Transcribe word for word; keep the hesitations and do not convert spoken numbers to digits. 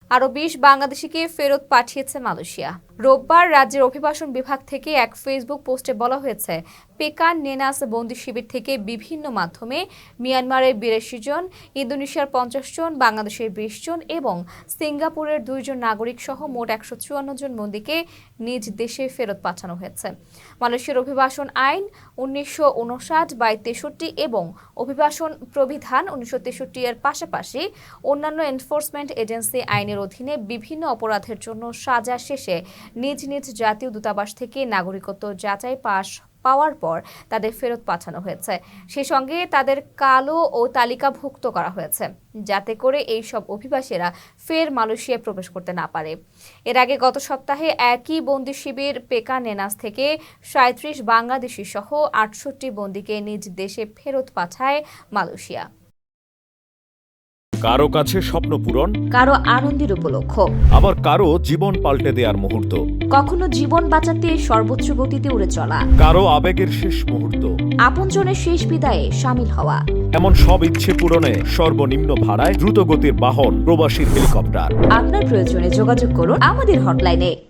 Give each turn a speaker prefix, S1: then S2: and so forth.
S1: আরও বিশ বাংলাদেশিকে ফেরত পাঠিয়েছে মালয়েশিয়া। রোববার রাজ্যের অভিবাসন বিভাগ থেকে এক ফেসবুক পোস্টে বলা হয়েছে, পেকান নেনাস বন্দি শিবির থেকে বিভিন্ন মাধ্যমে মিয়ানমারের বিরাশি জন, ইন্দোনেশিয়ার পঞ্চাশ জন, বাংলাদেশের বিশ জন এবং সিঙ্গাপুরের দুইজন নাগরিক সহ মোট একশো চুয়ান্ন জন বন্দীকে নিজ দেশে ফেরত পাঠানো হয়েছে। মালয়েশিয়ার অভিবাসন আইন উনিশশো উনষাট বাই তেষট্টি এবং অভিবাসন প্রবিধান উনিশশো তেষট্টি এর পাশাপাশি অন্যান্য এনফোর্সমেন্ট এজেন্সি আইনের অধীনে বিভিন্ন অপরাধের জন্য সাজা শেষে নিজ নিজ জাতীয় দূতাবাস থেকে নাগরিকত্ব যাচাই পাশ পাওয়ার পর তাদের ফেরত পাঠানো হয়েছে। সেই সঙ্গে তাদের কালো ও তালিকাভুক্ত করা হয়েছে, যাতে করে এই সব অভিবাসীরা ফের মালয়েশিয়ায় প্রবেশ করতে না পারে। এর আগে গত সপ্তাহে একই বন্দি শিবির পেকান নেনাস থেকে সাঁত্রিশ বাংলাদেশি সহ আটষট্টি বন্দীকে নিজ দেশে ফেরত পাঠায় মালয়েশিয়া।
S2: কারো কাছে স্বপ্ন পূরণ,
S1: কারো আনন্দের উপলক্ষ,
S2: আবার কারো জীবন পাল্টে দেওয়ার মুহূর্ত,
S1: কখনো জীবন বাঁচাতে সর্বোচ্চ গতিতে উড়ে চলা,
S2: কারো আবেগের শেষ মুহূর্ত,
S1: আপনজনের শেষ বিদায়ে শামিল হওয়া।
S2: এমন সব ইচ্ছে পূরণে সর্বনিম্ন ভাড়ায় দ্রুতগতির বাহন প্রবাসীর হেলিকপ্টার।
S1: আপনার প্রয়োজনে যোগাযোগ করুন আমাদের হটলাইনে।